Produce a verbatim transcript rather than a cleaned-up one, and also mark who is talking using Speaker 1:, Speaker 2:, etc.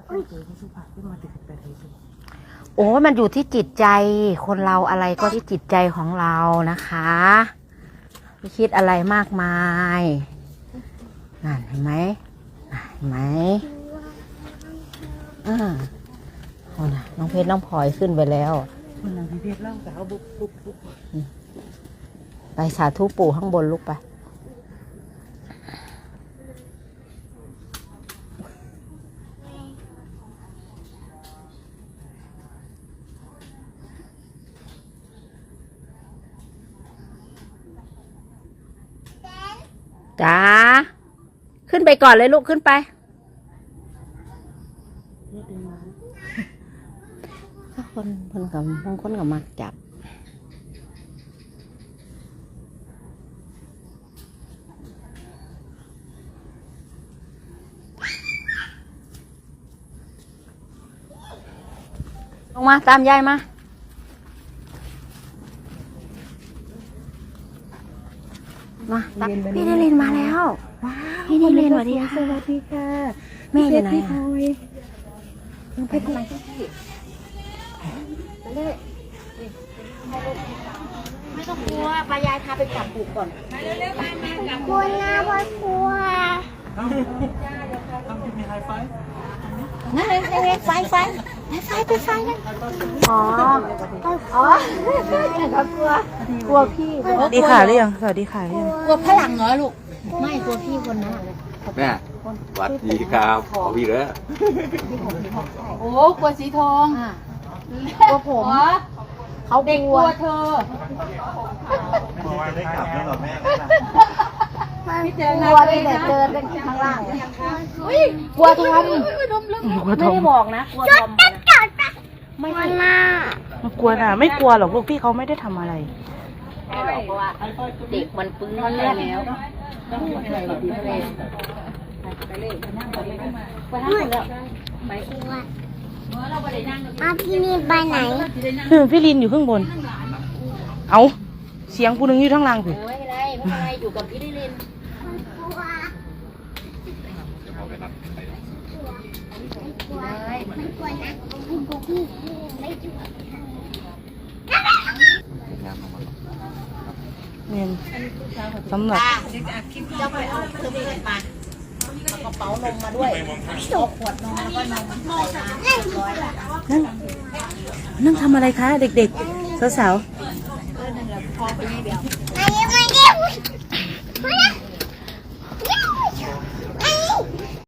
Speaker 1: โอ้มันอยู่ที่จิตใจคนเราอะไรก็ที่จิตใจของเรานะคะไม่คิดอะไรมากมายนั่นเห็นไหมเห็นไหมอ่าโอ้นะน้องเพชรน้องพลอยขึ้นไปแล้วคนน้องเพชรเล่าแต่เขาบุกบุกบุกไปสาธุปู่ข้างบนลูกไปจ้าขึ้นไปก่อนเลยลูกขึ้นไปถ้าคนคนกับบางคนกับมักจับลงมาตามยายมามาพี่นิรินมาแล้วพี่นิรินสวัสดีค่ะสวัสดีค่ะแม่อยู่ไหนอ่ะยังไปทำไมไม่ต้องกลัวปายายพาไปจับปูก่อนมาเร็วๆมามากลัวนะพ่อกลัว
Speaker 2: ต้องมีไฮไฟ
Speaker 1: นั่นเลยไฟไฟไฟไปไฟนั่นอ๋ออ๋อเขากลัวกลัวพี่
Speaker 2: สวัสดีค่ะหรือยังสวัสดีค่ะหรือยัง
Speaker 1: กลัวพลังเหรอลูกไม่กลัวพี่คนนั้น
Speaker 3: แม่สวัสดีครับขอพี่เลย
Speaker 4: โอ้กลัวสีทอง
Speaker 1: กลัวผมเขา
Speaker 4: เด็กกลัวเธอ
Speaker 2: เมื่อวานได้กลับแล้วเหรอแม่
Speaker 1: ไม่เจอกลัวเลยแต่เจอตั้งข้างล่างกลัวทอมไม่ได้บอกนะกลัวทอมไม่กลัวนะ
Speaker 2: ไม่กลัวนะไม่กลัวหรอกลูกพี่เขาไม่ได้ทำอะไร
Speaker 1: ไม่หรอกเพราะว่าเด็กมันปื้นแล้วต้องไปเลยไปเลยไปเลยไปนั่งไปเลยไปนั่งแล้วไปที่ว่าอาพี่ลินไปไหน
Speaker 2: พี่ลินอยู่ข้างบนเอาเสียงผู้หนึ่งอยู่ข้างล่างสิ
Speaker 1: ไม่เป็นไรไม่เป็นไรอยู่กับพี่ลินไม่กลัวนะไม่กลัวพี่ไม่กลัว
Speaker 2: เนี่ยสำหรับ
Speaker 1: เจ้าไปเอาเครื่องเล่นมาเอากระเป๋านมมาด้วยเอาขวดนมแล้วก็นมใส่มาร้อยละ
Speaker 2: นั่งนั่งทำอะไรคะเด็กๆสาวๆ
Speaker 1: เออนั่นแหละพอไปนี่เดียว